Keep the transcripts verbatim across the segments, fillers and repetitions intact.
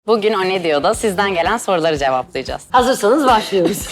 Bugün O Ne Diyor'da sizden gelen soruları cevaplayacağız. Hazırsanız başlıyoruz.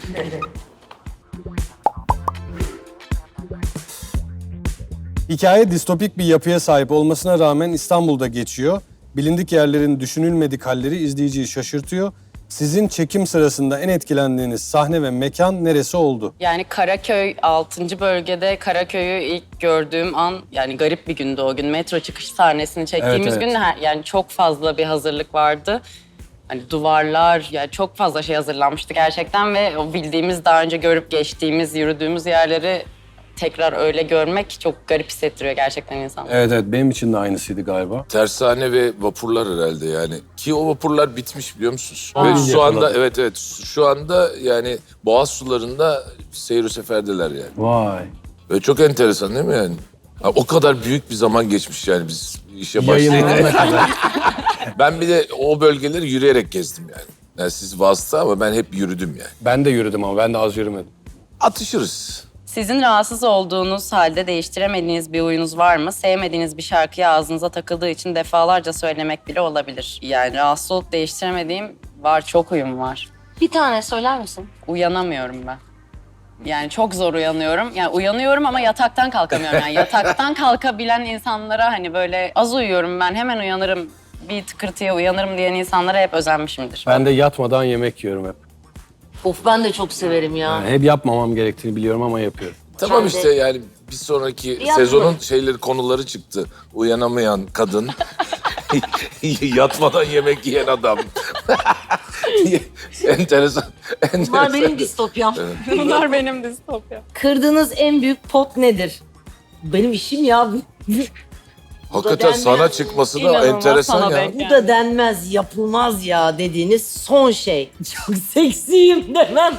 Hikaye distopik bir yapıya sahip olmasına rağmen İstanbul'da geçiyor. Bilindik yerlerin düşünülmedik halleri izleyiciyi şaşırtıyor. Sizin çekim sırasında en etkilendiğiniz sahne ve mekan neresi oldu? Yani Karaköy altıncı bölgede Karaköy'ü ilk gördüğüm an, yani garip bir gündü o gün. Metro çıkış sahnesini çektiğimiz Evet, evet. gün her- yani çok fazla bir hazırlık vardı. Hani duvarlar, yani çok fazla şey hazırlanmıştı gerçekten ve o bildiğimiz, daha önce görüp geçtiğimiz, yürüdüğümüz yerleri tekrar öyle görmek çok garip hissettiriyor gerçekten insanları. Evet evet benim için de aynısıydı galiba. Tersane ve vapurlar herhalde yani. Ki o vapurlar bitmiş biliyor musunuz? Aa. Ve şu anda Yakaladım. evet evet şu anda yani Boğaz sularında seyir seferdeler yani. Vay. Ve çok enteresan değil mi yani? Ha, o kadar büyük bir zaman geçmiş yani biz işe Yayınlanana başlayınca. kadar. Ben bir de o bölgeleri yürüyerek gezdim yani. Yani siz vasıta ama ben hep yürüdüm yani. Ben de yürüdüm ama ben de az yürümedim. Atışırız. Sizin rahatsız olduğunuz halde değiştiremediğiniz bir huyunuz var mı? Sevmediğiniz bir şarkıyı ağzınıza takıldığı için defalarca söylemek bile olabilir. Yani rahatsız olup değiştiremediğim var, çok huyum var. Bir tane söyler misin? Uyanamıyorum ben. Yani çok zor uyanıyorum. Yani uyanıyorum ama yataktan kalkamıyorum. Yani yataktan kalkabilen insanlara hani böyle az uyuyorum ben, hemen uyanırım, bir tıkırtıya uyanırım diyen insanlara hep özenmişimdir. Ben de yatmadan yemek yiyorum hep. Of ben de çok severim ya. Yani hep yapmamam gerektiğini biliyorum ama yapıyorum. Tamam Ben de- işte yani bir sonraki Yapma. sezonun şeyleri konuları çıktı. Uyanamayan kadın, yatmadan yemek yiyen adam. enteresan, enteresan. Bunlar benim distopyam. Bunlar benim distopya. Kırdığınız en büyük pot nedir? Benim işim ya. Hakikaten denmez. sana çıkması da İnanılmaz enteresan sana ya. denk. Bu da denmez, yapılmaz ya dediğiniz son şey. Çok seksiyim demem.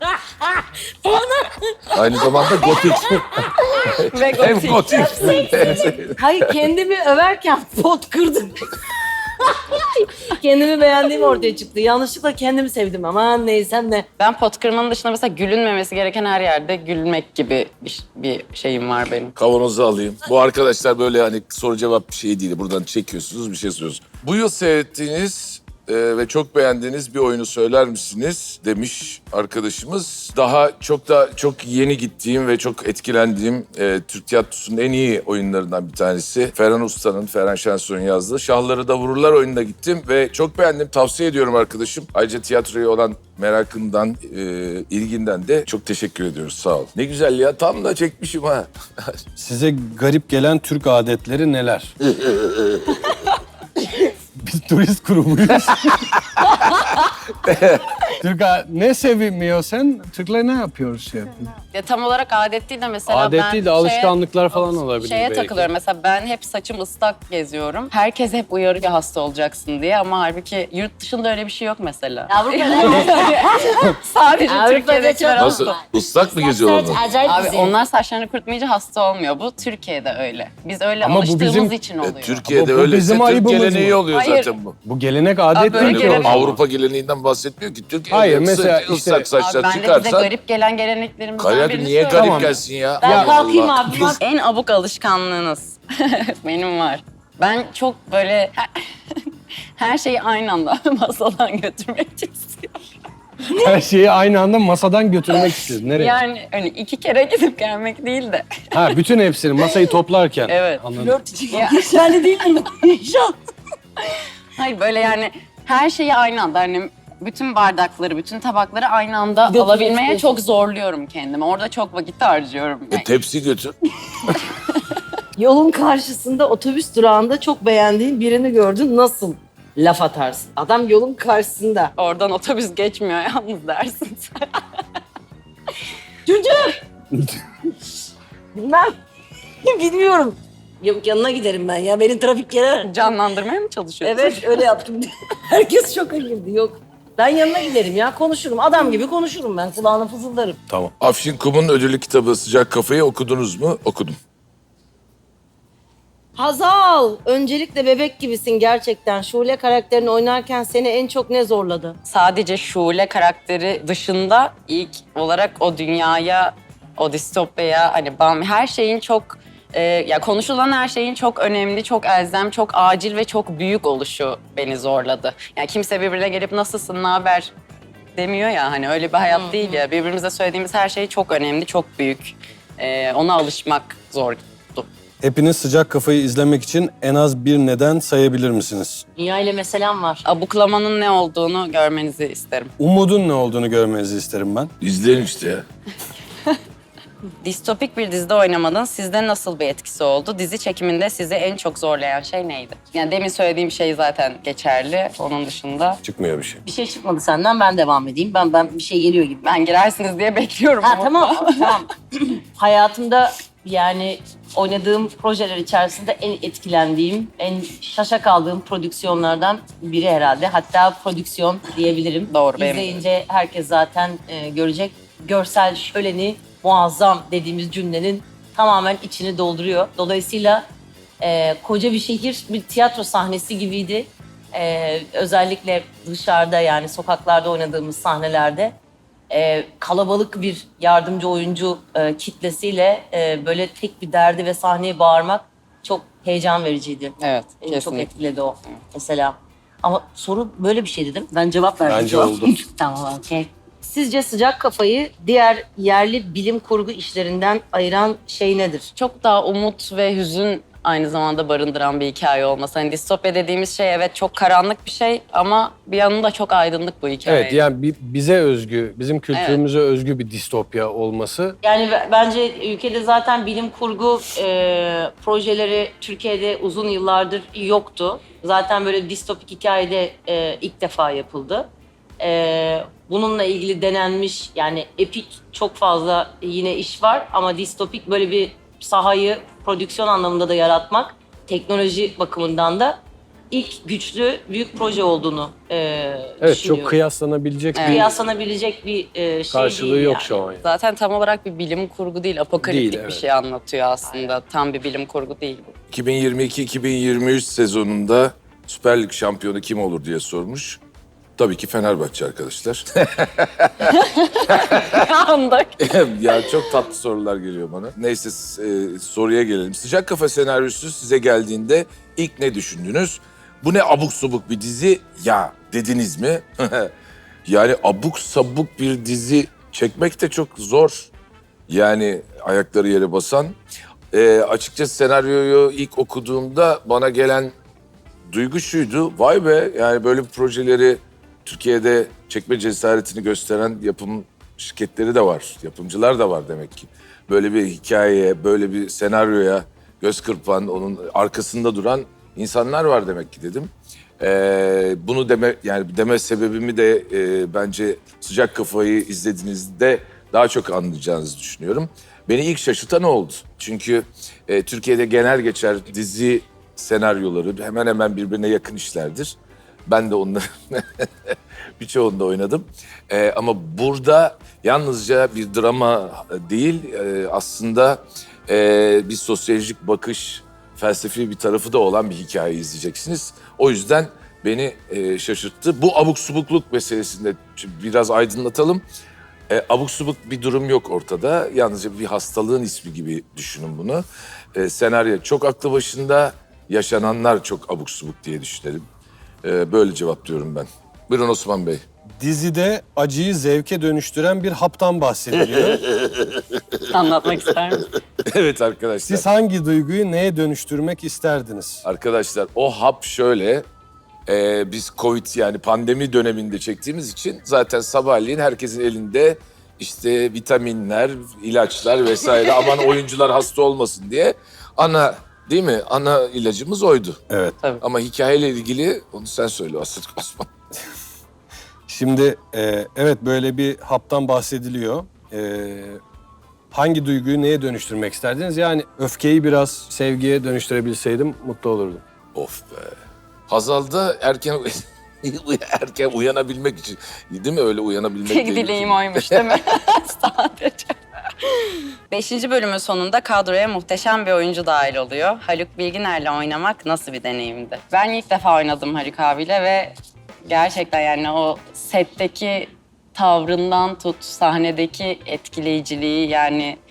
Aynı zamanda gotik. Ve Hem gotik. gotik. Hayır kendimi överken pot kırdım. Kendimi beğendiğim ortaya çıktı. Yanlışlıkla kendimi sevdim. Aman neysem ne. Ben pot kırmanın dışında mesela gülünmemesi gereken her yerde gülmek gibi bir, bir şeyim var benim. Kavanozu alayım. Bu arkadaşlar böyle hani soru cevap bir şey değil. Buradan çekiyorsunuz bir şey soruyorsunuz. Bu yıl seyrettiğiniz e, ve çok beğendiğiniz bir oyunu söyler misiniz demiş arkadaşımız. Daha çok da çok yeni gittiğim ve çok etkilendiğim e, Türk tiyatrosunun en iyi oyunlarından bir tanesi. Ferhan Usta'nın, Ferhan Şensoy'un yazdığı Şahları da Vururlar oyununa gittim ve çok beğendim. Tavsiye ediyorum arkadaşım. Ayrıca tiyatroya olan merakından, e, ilginden de çok teşekkür ediyoruz. Sağ ol. Ne güzel ya. Tam da çekmişim ha. Size garip gelen Türk adetleri neler? Biz turist grubuyuz. Türk a- ne sevinmiyor sen? Türkler ne yapıyoruz şey yapıyor? Ya tam olarak adet değil de mesela Adet ben değil de şeye- alışkanlıklar falan olabilir Şeye belki. takılıyorum mesela, ben hep saçım ıslak geziyorum. Herkes hep uyarıyor hasta olacaksın diye ama halbuki yurt dışında öyle bir şey yok mesela. Sadece Avrupa'da Türkiye'de çok- Nasıl? Islak mı geziyorlar? onlar? Acayip Abi güzel. onlar saçlarını kurutmayınca hasta olmuyor. Bu Türkiye'de öyle. Biz öyle Ama bu alıştığımız bizim- için E, oluyor. Türkiye'de Bu- bu öyleyse bizim Türk ayıbımız geleneği mı? oluyor Hayır. zaten bu. Bu gelenek adet Abi böyle değil ki. gelenek- o zaman. Avrupa geleneğinden bahsetmiyor ki. Türkiye'de Hayır, ısı- mesela işte- ıslak Abi saçlar ben de size çıkarsan... garip gelen geleneklerimizden Kaya birini niye garip söyleyeyim. Tamam. gelsin ya? Ben Allah kalkayım Allah. abi. bak. En abuk alışkanlığınız benim var. Ben çok böyle her şeyi aynı anda masadan götürmek istiyorum. Her şeyi aynı anda masadan götürmek istiyoruz. Nereye? Yani hani iki kere gidip gelmek değil de. Ha bütün hepsini masayı toplarken. Evet. Anladım. Flört için Ya. geçerli değil mi? İnşallah. Hayır böyle yani her şeyi aynı anda, hani bütün bardakları, bütün tabakları aynı anda Götürmek alabilmeye istiyorsun. çok zorluyorum kendimi. Orada çok vakit harcıyorum. E, tepsi götür. Yolun karşısında otobüs durağında çok beğendiğin birini gördün. Nasıl laf atarsın? Adam yolun karşısında. Oradan otobüs geçmiyor yalnız dersin sen. Çocuk! Bilmem. Bilmiyorum. Yok yanına giderim ben ya. Beni trafik yere... Canlandırmaya mı çalışıyorsun? Evet öyle yaptım. Herkes şoka girdi. Yok. Ben yanına giderim ya konuşurum. Adam gibi konuşurum ben. Kulağına fısıldarım. Tamam. Afşin Kum'un ödüllü kitabı Sıcak Kafayı okudunuz mu? Okudum. Hazal, öncelikle bebek gibisin gerçekten. Şule karakterini oynarken seni en çok ne zorladı? Sadece Şule karakteri dışında ilk olarak o dünyaya, o distopyaya, hani bam, her şeyin çok Ee, ya konuşulan her şeyin çok önemli, çok elzem, çok acil ve çok büyük oluşu beni zorladı. Yani kimse birbirine gelip nasılsın, ne haber demiyor ya, hani öyle bir hayat değil ya. Birbirimize söylediğimiz her şey çok önemli, çok büyük. Ee, ona alışmak zordu. Hepiniz Sıcak Kafayı izlemek için en az bir neden sayabilir misiniz? Dünya ile meselem var. Abuklamanın ne olduğunu görmenizi isterim. Umudun ne olduğunu görmenizi isterim ben. İzleyelim işte ya. Distopik bir dizide oynamanın sizde nasıl bir etkisi oldu? Dizi çekiminde sizi en çok zorlayan şey neydi? Yani demin söylediğim şey zaten geçerli. Onun dışında Çıkmıyor bir şey. Bir şey çıkmadı senden, ben devam edeyim. Ben ben bir şey geliyor gibi. ben girersiniz diye bekliyorum. Ha ama. tamam, tamam. Hayatımda yani oynadığım projeler içerisinde en etkilendiğim, en şaşa kaldığım prodüksiyonlardan biri herhalde. Hatta prodüksiyon diyebilirim. Doğru, benim de. İzleyince herkes zaten e, görecek. Görsel şöleni muazzam dediğimiz cümlenin tamamen içini dolduruyor. Dolayısıyla e, koca bir şehir bir tiyatro sahnesi gibiydi. E, özellikle dışarıda, yani sokaklarda oynadığımız sahnelerde e, kalabalık bir yardımcı oyuncu e, kitlesiyle e, böyle tek bir derdi ve sahneye bağırmak çok heyecan vericiydi. Evet, Beni çok kesinlikle. etkiledi o mesela. Ama soru böyle bir şey dedim. Ben cevap verdim. Bence şu an. oldu. Tamam, okey. Sizce Sıcak Kafayı diğer yerli bilim kurgu işlerinden ayıran şey nedir? Çok daha umut ve hüzün aynı zamanda barındıran bir hikaye olması. Hani distopya dediğimiz şey evet çok karanlık bir şey ama bir yanında çok aydınlık bu hikaye. Evet, yani bi- bize özgü, bizim kültürümüze özgü bir distopya olması. Yani b- bence ülkede zaten bilim kurgu e, projeleri Türkiye'de uzun yıllardır yoktu. Zaten böyle distopik hikayede e, ilk defa yapıldı. E, bununla ilgili denenmiş, yani epik çok fazla yine iş var ama distopik böyle bir sahayı prodüksiyon anlamında da yaratmak, teknoloji bakımından da ilk güçlü büyük proje olduğunu e, Evet, düşünüyorum. çok kıyaslanabilecek Evet. bir Kıyaslanabilecek bir e, şey karşılığı değil yok yani. şu an. Yani. Zaten tam olarak bir bilim kurgu değil, apokaliptik Değil, bir evet. şey anlatıyor aslında. Tam bir bilim kurgu değil bu. iki bin yirmi iki iki bin yirmi üç sezonunda Süper Lig şampiyonu kim olur diye sormuş. Tabii ki Fenerbahçe arkadaşlar. Andık. Ya çok tatlı sorular geliyor bana. Neyse e, soruya gelelim. Sıcak Kafa senaryosu size geldiğinde ilk ne düşündünüz? Bu ne abuk subuk bir dizi ya dediniz mi? Yani abuk sabuk bir dizi çekmek de çok zor. Yani ayakları yere basan. E, açıkçası senaryoyu ilk okuduğumda bana gelen duygu şuydu. Vay be, yani böyle projeleri Türkiye'de çekme cesaretini gösteren yapım şirketleri de var. Yapımcılar da var demek ki. Böyle bir hikayeye, böyle bir senaryoya göz kırpan, onun arkasında duran insanlar var demek ki dedim. Ee, bunu deme yani deme sebebimi de e, bence Sıcak Kafayı izlediğinizde daha çok anlayacağınızı düşünüyorum. Beni ilk şaşırtan oldu. Çünkü e, Türkiye'de genel geçer dizi senaryoları hemen hemen birbirine yakın işlerdir. Ben de onların birçoğunda oynadım. Ee, ama burada yalnızca bir drama değil, e, aslında e, bir sosyolojik bakış, felsefi bir tarafı da olan bir hikaye izleyeceksiniz. O yüzden beni e, şaşırttı. Bu abuk subukluk meselesinde biraz aydınlatalım. E, abuk subuk bir durum yok ortada. Yalnızca bir hastalığın ismi gibi düşünün bunu. E, senaryo çok aklı başında, yaşananlar çok abuk subuk diye düşünelim. E, böyle cevaplıyorum ben. Buyurun Osman Bey. Dizide acıyı zevke dönüştüren bir haptan bahsediliyor. Anlatmak ister misin? Evet arkadaşlar. Siz hangi duyguyu neye dönüştürmek isterdiniz? Arkadaşlar o hap şöyle. e, biz Covid yani pandemi döneminde çektiğimiz için zaten sabahleyin herkesin elinde işte vitaminler, ilaçlar vesaire aman oyuncular hasta olmasın diye ana değil mi? Ana ilacımız oydu. Evet. Ama hikayeyle ilgili onu sen söyle Aslı Osman. Şimdi e, evet böyle bir haptan bahsediliyor. E, hangi duyguyu neye dönüştürmek isterdiniz? Yani öfkeyi biraz sevgiye dönüştürebilseydim mutlu olurdum. Of be. Hazal'da erken erken uyanabilmek için değil mi öyle uyanabilmek Tek diye bir dileğim şey. oymuş değil mi? Sadece. Beşinci bölümün sonunda kadroya muhteşem bir oyuncu dahil oluyor. Haluk Bilginer'le oynamak nasıl bir deneyimdi? Ben ilk defa oynadım Haluk abiyle ve gerçekten yani o setteki tavrından tut sahnedeki etkileyiciliği, yani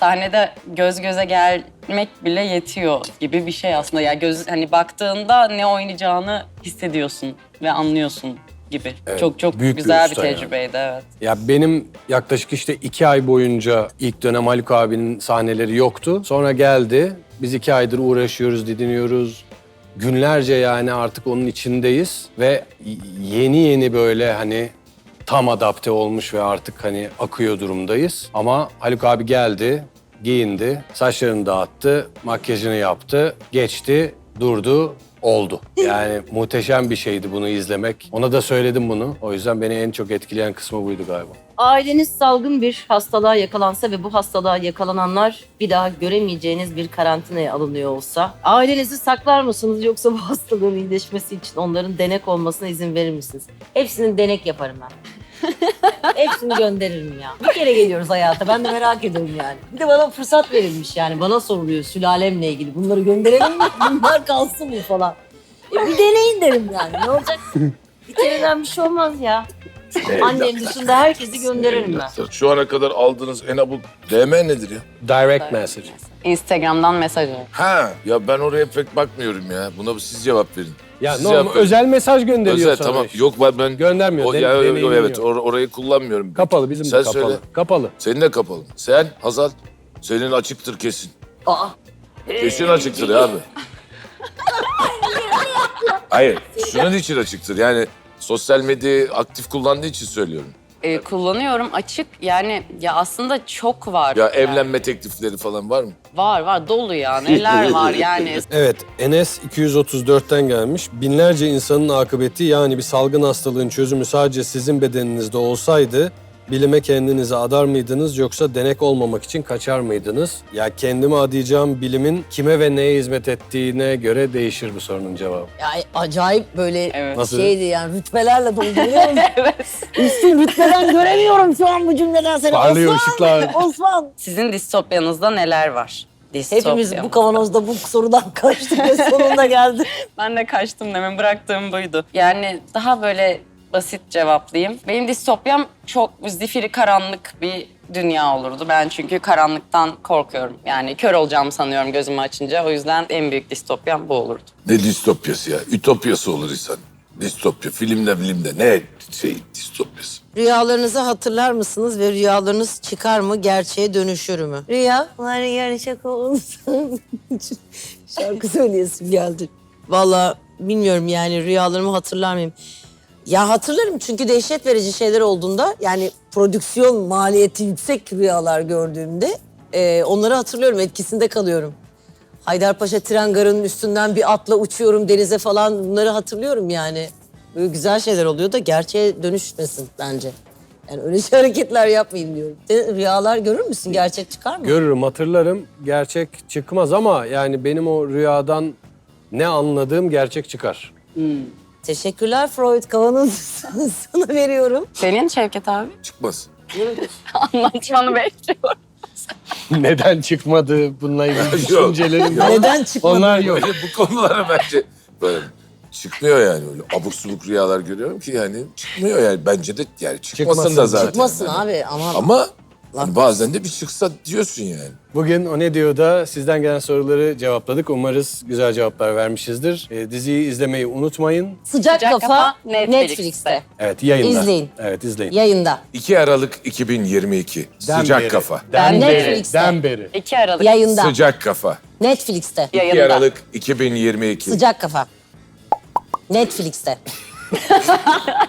sahnede göz göze gelmek bile yetiyor gibi bir şey aslında. Yani göz hani baktığında ne oynayacağını hissediyorsun ve anlıyorsun gibi. Evet, çok çok büyük bir güzel bir, usta yani. tecrübeydi evet. Ya benim yaklaşık işte iki ay boyunca ilk dönem Haluk abinin sahneleri yoktu. Sonra geldi. Biz iki aydır uğraşıyoruz, didiniyoruz. Günlerce yani artık onun içindeyiz. Ve yeni yeni böyle hani tam adapte olmuş ve artık hani akıyor durumdayız. Ama Haluk abi geldi, giyindi, saçlarını dağıttı, makyajını yaptı, geçti, durdu, oldu. Yani muhteşem bir şeydi bunu izlemek. Ona da söyledim bunu. O yüzden beni en çok etkileyen kısmı buydu galiba. Aileniz salgın bir hastalığa yakalansa ve bu hastalığa yakalananlar bir daha göremeyeceğiniz bir karantinaya alınıyor olsa, ailenizi saklar mısınız yoksa bu hastalığın iyileşmesi için onların denek olmasına izin verir misiniz? Hepsinin denek yaparım ben. Hepsini gönderirim ya. Bir kere geliyoruz hayata. Ben de merak ediyorum yani. Bir de bana fırsat verilmiş yani. Bana soruluyor sülalemle ilgili. Bunları gönderelim mi? Bunlar kalsın mı falan. E bir deneyin derim yani. Ne olacak? Bir kereden bir şey olmaz ya. Annem dışında herkesi gönderirim ben. Şu ana kadar aldığınız en abuk D M nedir ya? Direct message. Instagram'dan mesaj al. Ha ya ben oraya pek bakmıyorum ya. Buna siz cevap verin. Ya Siz normal, cevap verin. özel mesaj gönderiyor Özel sana tamam. işte. Yok ben, ben Göndermiyor, O, den- ya, yok, deneyimliyor. evet or- orayı kullanmıyorum. Kapalı, bizim Sen de kapalı. söyle. Kapalı. Senin de kapalı. Sen Hazal, senin açıktır kesin. Aa. Kesin açıktır ya abi. Hayır, şunun için açıktır. Yani sosyal medyayı aktif kullandığı için söylüyorum. Ee, kullanıyorum açık yani ya aslında çok var. Ya Yani. evlenme teklifleri falan var mı? Var var dolu ya neler var yani. Evet, Enes iki yüz otuz dörtten gelmiş. Binlerce insanın akıbeti yani bir salgın hastalığın çözümü sadece sizin bedeninizde olsaydı bilime kendinizi adar mıydınız yoksa denek olmamak için kaçar mıydınız? Ya kendime adayacağım bilimin kime ve neye hizmet ettiğine göre değişir bu sorunun cevabı. Ya acayip böyle Evet. Nasıl? şeydi yani rütbelerle dolduruyorum. Evet. Üstün rütbeden göremiyorum şu an bu cümleden seni. Parlıyor Osman! ışıklar. Osman! Sizin distopyanızda neler var? Distopya. Hepimiz bu kavanozda bu sorudan kaçtık ve sonunda geldi. Ben de kaçtım demin bıraktığım buydu. Yani daha böyle basit cevaplayayım. Benim distopyam çok zifiri karanlık bir dünya olurdu. Ben çünkü karanlıktan korkuyorum. Yani kör olacağımı sanıyorum gözümü açınca. O yüzden en büyük distopyam bu olurdu. Ne distopyası ya? Ütopyası olur insan. Distopya, filmde bilimde ne şey distopyası? Rüyalarınızı hatırlar mısınız ve rüyalarınız çıkar mı, gerçeğe dönüşür mü? Rüya, var yarın şaka olsun. Şarkı söyleyesim geldi. Vallahi bilmiyorum yani rüyalarımı hatırlar mıyım? Ya hatırlarım çünkü dehşet verici şeyler olduğunda yani prodüksiyon maliyeti yüksek rüyalar gördüğümde e, onları hatırlıyorum, etkisinde kalıyorum. Haydarpaşa tren garının üstünden bir atla uçuyorum denize falan bunları hatırlıyorum yani. Böyle güzel şeyler oluyor da gerçeğe dönüşmesin bence. Yani öyle şey hareketler yapmayayım diyorum. Sen rüyalar görür müsün? Gerçek çıkar mı? Görürüm, hatırlarım. Gerçek çıkmaz ama yani benim o rüyadan ne anladığım gerçek çıkar. Teşekkürler Freud. Kavanozu sana veriyorum. Senin Şevket abi? Çıkmaz. Anlatmanı bekliyorum. Neden çıkmadı bununla ilgili Yok. düşüncelerim. Neden çıkmadı? Onlar yok. Böyle bu konulara bence böyle çıkmıyor yani öyle abuk subuk rüyalar görüyorum ki yani çıkmıyor yani bence de yani çıkmasın, Çıkmasın, da zaten. Çıkmasın yani. abi ama... Ama hani bazen de bir çıksa diyorsun yani. Bugün O Ne Diyor da sizden gelen soruları cevapladık. Umarız güzel cevaplar vermişizdir. Ee, diziyi izlemeyi unutmayın. Sıcak, Sıcak Kafa, Kafa Netflix'te. Netflix'te. Evet, yayında. İzleyin. Evet, izleyin. Yayında. iki Aralık iki bin yirmi iki. Den Sıcak beri, kafa. Den beri. Netflix'te. Den beri. iki Aralık Yayında. Sıcak kafa. Netflix'te. iki yayında. Aralık iki bin yirmi iki. Sıcak Kafa. Netflix'te.